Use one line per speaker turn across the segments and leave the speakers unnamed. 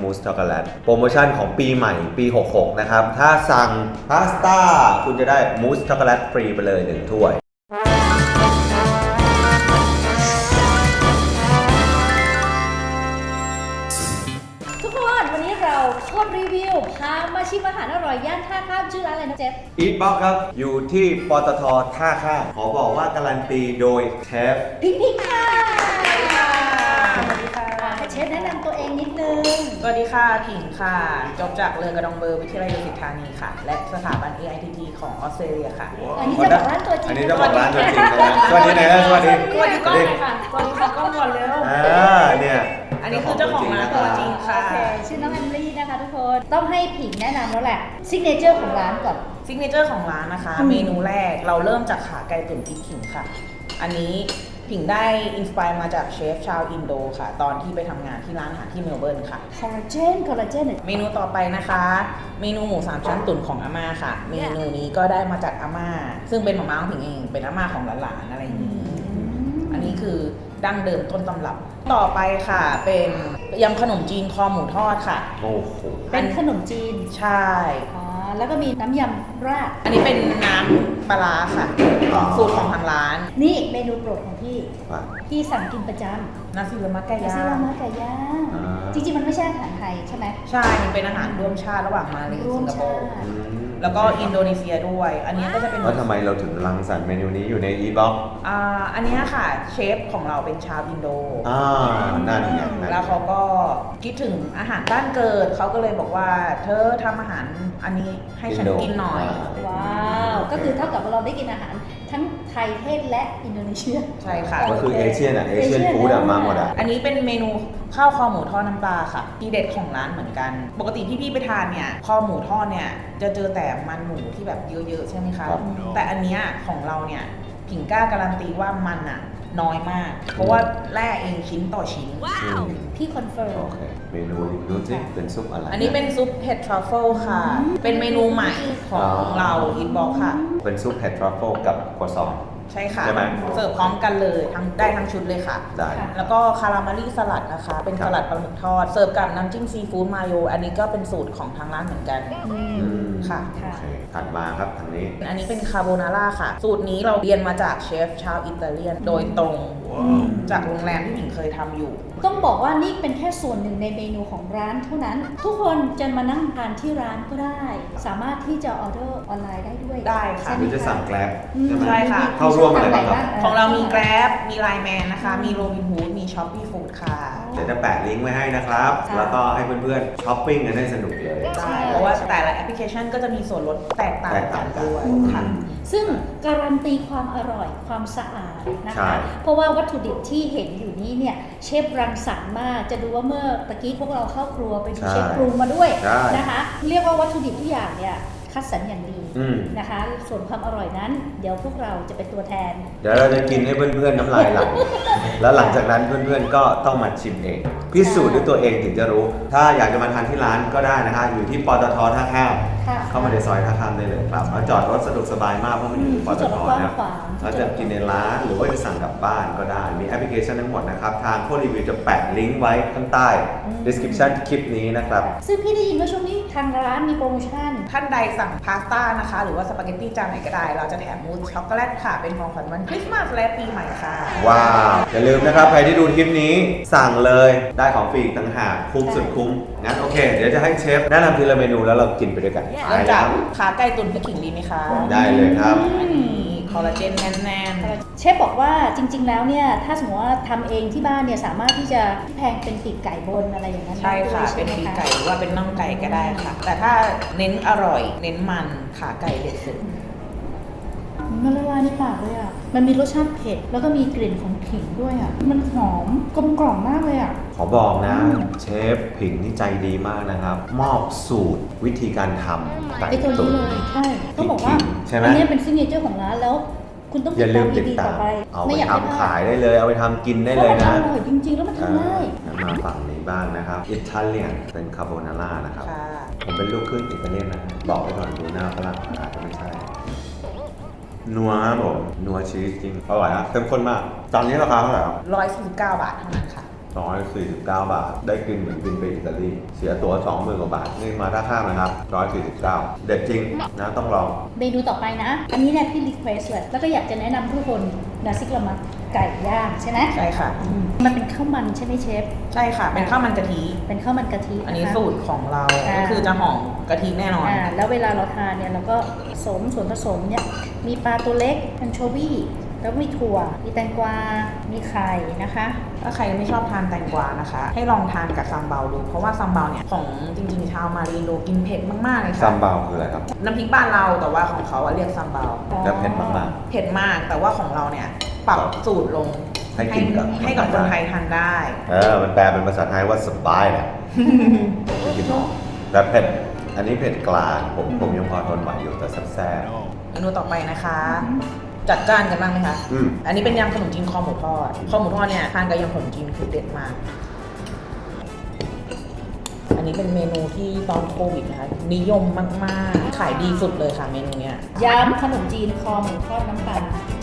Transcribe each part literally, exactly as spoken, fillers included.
มูสช็อกโกแลตโปรโมชั่นของปีใหม่ปีหกหกนะครับถ้าสั่งพาสต้าคุณจะได้มูสช็อกโกแลตฟรีไปเลยหนึ่งถ้วย
โคตรรีวิวพามาชิมอาหารอร่อยย่านท่าข้ามชื่อร้านอะไรนะเจฟ
อีทบ็อกครับอยู่ที่ปตทท่าข้ามขอบอกว่าการันตีโดยเชฟ
พิงพิงค่ะ
สวัสดีค่ะ
ให้เชฟแนะนำตัวเองนิดนึง
สวัสดีค่ะผิงค่ะจบจากเรือกระดองเบอร์วิทยาลัยดุสิตธานีค่ะและสถาบัน เอ ไอ ที ที ของออสเตรเลียค่ะ
อันนี้จะบอกร้านตัวจริง
อันนี้จะบอกร้านตัวจริงนะสวัสดีนายสวัสดี
สวัสดีก้อนเลยค่ะสวัสดีค่ะก้อนก่อนเร็ว
อ่าเนี่ย
อันนี้คือเจ้าของร้านตัวจริงค่ะ
ชื่อน้องแอมลี่นะคะทุกคนต้องให้ผิงแนะนำแล้วแหละซิกเนเจอร์ของร้านก่อน
ซิกเนเจอร์ของร้านนะคะเมนูแรกเราเริ่มจากขาไก่ตุ๋นพริกขิงค่ะอันนี้ผิงได้อินสไปร์มาจากเชฟชาวอินโดค่ะตอนที่ไปทำงานที่ร้านอาหารที่เมลเบิร์นค่ะ
คอลลาเจนคอลลาเจน
เมนูต่อไปนะคะเมนูหมูสามชั้นตุ๋นของอาม่าค่ะเมนูนี้ก็ได้มาจากอาม่าซึ่งเป็นหม่าม้าของผิงเองเป็นอาม่าของหลานๆอะไรอย่างนี้อันนี้คือดั้งเดิมต้นตำรับต่อไปค่ะเป็นยำขนมจีนคอหมูทอดค่ะ
โอ้โห
เป็นขนมจีน
ใช่
อ๋อแล้วก็มีน้ำยำราด
อันนี้เป็นน้ำปลาร้าค่ะสูตรของทางร้าน
นี่เมนูโปรดของพี่พี่สั่งกินประจำ
นาซิลามักไก่ย่าง
นาซิลามักไก่ย่างจริงๆมันไม่ใช่อาหารไทยใช่ไหม
ใช่มันเป็นอาหารร่วมชาติระหว่างมาเลเซียสิงคโปร์แล้วก็อินโดนีเซียด้วยอันนี้ก็จะเป็น
แล้วทำไมเราถึงรังสรรค์เมนูนี้อยู่ในอีบ็อก
อ่าอันนี้ค่ะเชฟของเราเป็นชาวอินโด
อ่านั่นไง
แล้วเขาก็คิดถึงอาหารบ้านเกิดเขาก็เลยบอกว่าเธอทำอาหารอันนี้ให้ฉันกินหน่อย
ว้าวก็คือเท่ากับเราได้กินอาหารทั้งไทยเทศและอินโดนีเซีย
ใช่ค่ะ
ก็คือเอเชียนอ่ะเอเชียนฟู้ดมาหมดอ่ะ
อันนี้เป็นเมนูข้าวคอหมูทอดน้ำปลาค่ะที่เด็ดของร้านเหมือนกันปกติพี่ๆไปทานเนี่ยคอหมูทอดเนี่ยจะเจอแต่มันหมูที่แบบเยอะๆใช่ไหมคะแต่อันเนี้ยของเราเนี่ยผิงกล้าการันตีว่ามันอ่ะน้อยมากเพราะว่าแร่เองชิ้นต่อชิ้น
ว้าวพี่คอนเฟิร์ม
โอเคเมนูดูสิเป็นซุปอะไร
อันนี้เป็นซุปเห็ดทรัฟเฟิลค่ะเป็นเมนูใหม่ของเราอินบ็อกค่ะ
เป็นซุปเห็ดทรัฟเฟิลกับกัวซอง
ใช่ค่ะเสิร์ฟพร้อมกันเลยทั้งได้ทั้งชุดเลยค่ะ
ได้
แล้วก็คาราเมลี่สลัดนะคะเป็นสลัดปลาหมึกทอดเสิร์ฟกับน้ำจิ้มซีฟู้ดมาโยอันนี้ก็เป็นสูตรของทางร้านเหมือนกันค่ะ
ถัดมาครับทางนี้
อันนี้เป็นคาโบนาร่าค่ะสูตรนี้เราเรียนมาจากเชฟชาวอิตาเลียนโดยตรงจากโรงแรมที่หญิงเคยทำอยู่
ต้องบอกว่านี่เป็นแค่ส่วนหนึ่งในเมนูของร้านเท่านั้นทุกคนจะมานั่งทานที่ร้านก็ได้สามารถที่จะออเดอร์ออนไลน์ได้ด้วย
ได้ค่ะ
หรือจะสั่งแกร็บ
ใช่ค่ะ
เข้าร่วมอะไรบ้างครับ
ของเรามีแกร็บมีไลน์แมนนะคะมีโรบินฮูดมีช้อปปี้ฟู้ดค่ะ
เดี๋ยวจะแปะลิงก์ไว้ให้นะครับแล้วก็ให้เพื่อนๆช้อปปิ้งกันได้สนุกเลย
ใช่เพราะว่าแต่ละแอปพลิเคชันก็จะมีส่วนลดแตกต่างกันด้วยค่ะ
ซึ่งการันตีความอร่อยความสะอาดนะคะเพราะว่าวัตถุดิบที่เห็นอยู่นี้เนี่ยเชฟรังสรรค์มากจะดูว่าเมื่อตะกี้พวกเราเข้าครัวไปดูเชฟปรุงมาด้วยนะคะเรียกว่าวัตถุดิบทุกอย่างเนี่ยคัดสรรอย่างดีนะคะส่วนความอร่อยนั้นเดี๋ยวพวกเราจะเป็นตัวแทน
เดี๋ยวเราจะกินให้เพื่อนๆน้ำลายไหลแล้วหลังจากนั้นเพื่อนๆก็ต้องมาชิมเองพิสูจน์ด้วยตัวเองถึงจะรู้ถ้าอยากจะมาทานที่ร้านก็ได้นะคะอยู่ที่ปตทท่าข้ามเข้ามาในซอยท่าข้ามได้เลยครับมาจอดรถสะดวกสบายมากเพราะมันอยู่ปตทนะเราจะกินในร้านหรือว่าจะสั่งกลับบ้านก็ได้มีแอปพลิเคชันทั้งหมดนะครับทางโค้ดรีวิวจะแปะลิงก์ไว้ข้างใต้ description คลิปนี้นะครับ
ซึ่งพี่ได้ยินว่าช่วงนี้ทางร้านมีโปรโมชั่น
ท่านใดสั่งพาสต้านะคะหรือว่าสปาเกตตี้จานไหนก็ได้เราจะแถมมูสช็อกโกแลตค่ะเป็นของขวัญวันคริสต์มาสและปีใหม่ค่ะ
ว้าวอย่าลืมนะครับใครที่ดูคลิปนี้สั่งเลยได้ของฟรีอีกต่างหากคุ้มสุดคุ้มงั้นโอเคเดี๋ยวจะให้เชฟแนะนำทีละเมนูแล้วเรากินไปด้วยกัน
เริ่มจากขาไก่ตุ๋นพริกขิงดีไหมคะ
ได้เลยครับ
อันนี้คอลลาเจนแน่น
ๆเชฟบอกว่าจริงๆแล้วเนี่ยถ้าสมมติว่าทำเองที่บ้านเนี่ยสามารถที่จะแพงเป็นปีกไก่บนอะไรอย่างนั้น
ใช่ค่ะเป็นปีกไก่หรือว่าเป็นน่องไก่ก็ได้ค่ะแต่ถ้าเน้นอร่อยเน้นมันขาไก่เด็ดสุด
มันละลายในปากเลยอ่ะมันมีรสชาติเผ็ดแล้วก็มีกลิ่นของขิงด้วยอ่ะมันหอมกลมกล่อมมากเลยอ่ะ
ขอบอกนะเชฟผิงนี่ใจดีมากนะครับมอบสูตรวิธีการทำไก่ตุ๋น
เลยใช่ต้องบอกว่าอันนี้เป็นซิกเนเจอร์ของร้านแล้วคุณต้อง
อย่าลืมติดตามเอาไปทำขายได้เลยเอาไปทำกินได้เลยนะ
อร่อยจริงๆแล้วมันทำง่าย
มาฝั่งนี้บ้างนะครับอิตาเลียนเป็นคาโบนาร่านะครับผมเป็นลูกครึ่งอิตาเลียนนะบอกไปก่อนดูหน้าฝรั่งอาจจะไม่ใช่นัวครับผมนัวชีสจริงอร่อยครับเข้มข้นมากตอนนี้ราคาเท่าไหร่ครับ
ร้อยสี่สิบเก้าบาทเท่านั้นค่ะ
สองร้อยสี่สิบเก้า บาทได้กินเหมือนกินไปอิตาลีเสียตั๋ว สองหมื่น กว่าบาทนี่มาท่าข้ามนะครับหนึ่งร้อยสี่สิบเก้าเด็ดจริงนะต้องลอง
เมนูต่อไปนะ อันนี้เนี่ยพี่รีเควสเลยแล้วก็อยากจะแนะนำทุกคนนาซิกละมัดไก่ย่างใช่ไหม
ใช่ค่ะ
มันเป็นข้าวมันใช่ไหมเชฟ
ใช่ค่ะเป็นข้าวมันกะทิ
เป็นข้าวมันกะทิ
อันนี้สูตรของเราก็คือจะหอมกะทิแน่นอน
อ่าแล้วเวลาเราทานเนี่ยเราก็ผสมส่วนผสมเนี่ยมีปลาตัวเล็กแอนโชวีแล้วมีถั่วมีแตงกวา มีไข่นะคะ
ถ้าใครไม่ชอบทานแตงกวานะคะให้ลองทานกับซัมเบาดูเพราะว่าซัมเบาเนี่ยของจริงๆชาวมารีโนกินเผ็ดมากๆเลยค่ะ
ซัมเบาคืออะไรครับ
น้ำพริกบ้านเราแต่ว่าของเขาเรียกซัมเบา
แล้วเผ็ดมาก
ๆเผ็ดมากแต่ว่าของเราเนี่ยปรับสูตรลง
ให้กินกับ
ให้กับคนไทยทานได้
เออมันแปลเป็นภาษาไทยว่าสบายนะกินหอมแต่เผ็ดอันนี้เผ็ดกลางผมผมยังพอทนไหวอยู่แต่แซ่บ
เมนูต่อไปนะคะจัดจ้านกันบ้างไหมคะอืมอันนี้เป็นยำขนมจีนคอหมูทอดคอหมูทอดเนี่ยทานกับยำขนมจีนคือเด็ดมากอันนี้เป็นเมนูที่ตอนโควิดนะคะนิยมมากๆขายดีสุดเลยค่ะเมนูเนี้ย
ยำขนมจีนคอหมูทอดน้ำปลา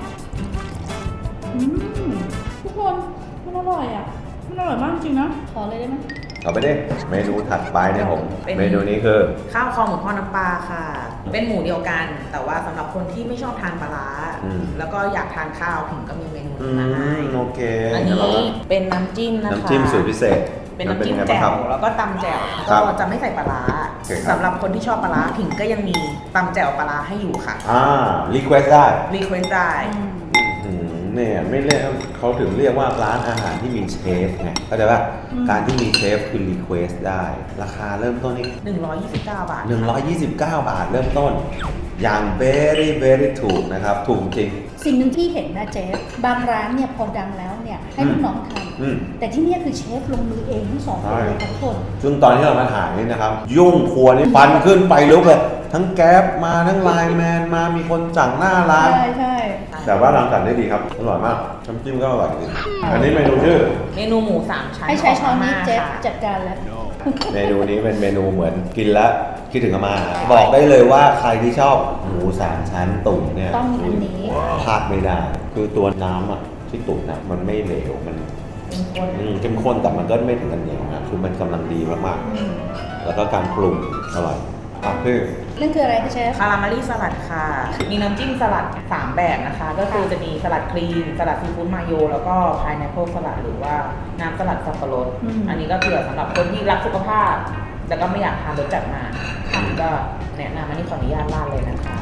ทุกคนมันอร่อยอ่ะมันอร่อยมากจริงนะขอเลยได้ไหม
เอาไปดิเมนูถัดไปเนี่ยผมเมนูนี้คือ
ข้าวคอหมูทอดน้ำปลาค่ะเป็นหมูเดียวกันแต่ว่าสำหรับคนที่ไม่ชอบทานปลาร้าแล้วก็อยากทานข้าวผมก็มีเมนูนี้มาให้
โอเค
อันนี้เป็นน้ำจิ้มนะคะ
น้ำจิ้มสูตรพิเศษ
เป็นน้ำจิ้มแจ่วแล้วก็ตำแจ่วก็จะไม่ใส่ปลาร้าสำหรับคนที่ชอบปลาร้าผิงก็ยังมีตำแจ่วปลาร้าให้อยู่ค่ะ
อ่ารีเควสได้
รีเควสได้
เนี่ยไม่เรียกเขาถึงเรียกว่าร้านอาหารที่มีเชฟไงเข้าใจป่ะการที่มีเชฟคือรีเควสได้ราคาเริ่มต้นนี่
หนึ่งร้อยยี่สิบเก้าบาท
หนึ่งร้อยยี่สิบเก้าบาทเริ่มต้นอย่าง very very ถูกนะครับถูกจริง
สิ่งหนึ่งที่เห็นนะเชฟบางร้านเนี่ยพอดังแล้วเนี่ยให้ลูกน้องทำแต่ที่นี่คือเชฟลงมือเองทั้งสองคนเลยทุกคน
ซึ่งตอนที่เรามาถ่ายนี่นะครับยุ่งครัวนี่ฟันขึ้นไปลุกเลยทั้งแก๊ปมาทั้งไลน์แมนมามีคนสั่งหน้าร้าน
ใช่ใช่
แต่ว่ารังสรรค์ได้ดีครับอร่อยมากน้ำจิ้มก็อร่อยจริงอันนี้เมนูชื่อ
เมนูหมูสามชั้น
ให้ใช้ช้อนนี้เชฟจัดการแล้ว
เมนูนี้เป็นเมนูเหมือนกินแล้วคิดถึงอาม่าบอกได้เลยว่าใครที่ชอบหมูสามชั้นตุ๋นเนี่ย
ต้องอันนี้
พลาดไม่ได้คือตัวน้ำอ่ะที่ตุ๋นอ่ะมันไม่เหลวมันเข้มข้นแต่มันก็ไม่ถึงกันเหนียวนะคือมันกำลังดีมากๆแล้วก็การปรุงอร่อยอ่ะพี่
นั่นคืออะไรคะเชฟ
คาราเมลี่สลัดค่ะมีน้ำจิ้มสลัดสามแบบนะคะก็คือจะมีสลัดครีมสลัดซีฟู้ดมาโยแล้วก็พายแอปเปิลสลัดหรือว่าน้ำสลัดสับปะรดอันนี้ก็เผื่อสำหรับคนที่รักสุขภาพแต่ก็ไม่อยากทานรสจัดมาก็แนะนำอันนี้ขออนุญาตราดเลยนะคะ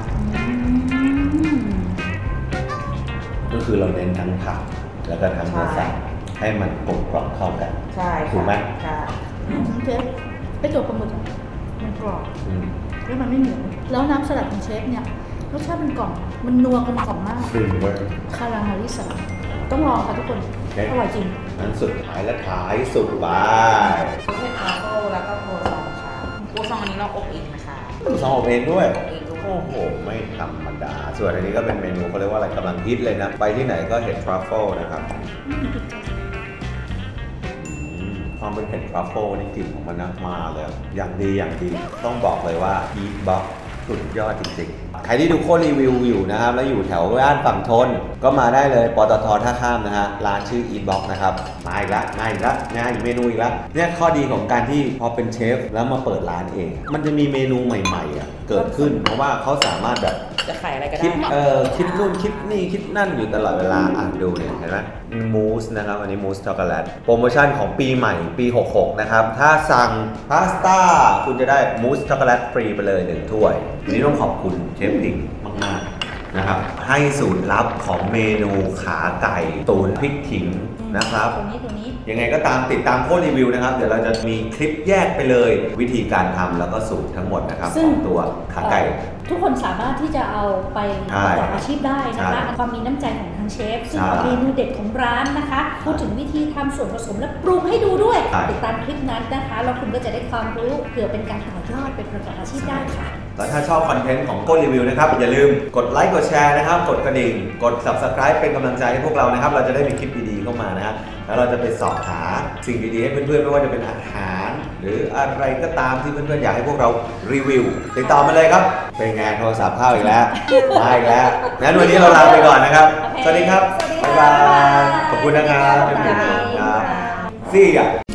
ก็คือเราเน้นทั้งผักแล้วก็ทั้งเนื้อสัตว์ให้มันกลมกล่อมเข้ากัน
ใช่
ถูกไหม
ใช่
เชฟไปจบปลาหมึกมันกรอบแล้วมันไม่เหนียวแล้วน้ำสลัดของเชฟเนี่ยรสชาติมันกล่อมมันนัวกลมกล่อมมากคาราเมลิสลัดต้องลองค่ะทุกคนอร่อยจริง
นั้นสุดท้ายและท้ายสุดว่า
ซุปเห็ดทรัฟเฟิลแล้วก็โคซองค่ะโคซองอันนี้เราอบเองนะคะ
ซองอบเองด้วยโอ้โหไม่ธรรมดาส่วนอันนี้ก็เป็นเมนูเขาเรียกว่าอะไรกำลังฮิตเลยนะไปที่ไหนก็เห็ดทรัฟเฟิลนะครับความเป็นเห็ดทรัฟเฟิลนี่กลิ่นของมันนะมาเลยอย่างดีอย่างดีต้องบอกเลยว่าอีทบ็อกสุดยอดจริงๆใครที่ดูโค้ดรีวิวอยู่นะครับแล้วอยู่แถวย่านฝั่งทนก็มาได้เลยปตทท่าข้ามนะฮะร้านชื่อ Eatbox นะครับมาอีกแล้วมาอีกแล้วงานอีกเมนูอีกแล้วเนี่ยข้อดีของการที่พอเป็นเชฟแล้วมาเปิดร้านเองมันจะมีเมนูใหม่ๆอ่ะเกิดขึ้นเพราะว่าเขาสามารถแบบ
จะขายอะไรก็ได้
คิดเอ่อคิดนู่นคิดนี่คิดนั่นอยู่ตลอดเวลาอ่านดูเนี่ยเห็นไหมมูสนะครับอันนี้มูสช็อกโกแลตโปรโมชั่นของปีใหม่ปีหกสิบหกนะครับถ้าสั่งพาสต้าคุณจะได้มูสช็อกโกแลตฟรีไปเลยหนึ่งถ้วยทีนี้ต้องขอบคุณเชฟหลิงมากๆนะครับให้สูตรลับของเมนูขาไก่ตุ๋นพริกขิงนะครับ
ตรงนี้ตรงนี้
ยังไงก็ตามติดตามโค้ดรีวิวนะครับเดี๋ยวเราจะมีคลิปแยกไปเลยวิธีการทำแล้วก็สูตรทั้งหมดนะครับของตัวขาไก่
ทุกคนสามารถที่จะเอาไปประกอบอาชีพได้นะคะความมีน้ำใจของทางเชฟซึ่งเมนูเด็ดของร้านนะคะพูดถึงวิธีทำส่วนผสมและปรุงให้ดูด้วยติดตามคลิปนั้นนะคะแล้วคุณก็จะได้ความรู้เผื่อเป็นการต่อยอดเป็นประกอบอาชีพได้ค่ะ
แล้วถ้าชอบคอนเทนต์ของโค้ดรีวิวนะครับอย่าลืมกดไลค์กดแชร์นะครับกดกระดิ่งกด ซับสไครบ์ เป็นกำลังใจให้พวกเรานะครับเราจะได้มีคลิปดีๆเข้ามานะฮะแล้วเราจะไปสอบหาสิ่งดีๆให้เพื่อนๆไม่ว่าจะเป็นอาหารหรืออะไรก็ตามที่เพื่อนๆอยากให้พวกเรารีวิวติดต่อมาเลยครับเป็นไงโทรศัพท์เข้าอีกแล้วมาอีกแล้วงั้นวันนี้เราลาไปก่อนนะครับสวัสดีครับบ๊ายบายขอบคุณนะครับเป็นเพื่อนๆครับซี่อ่ะ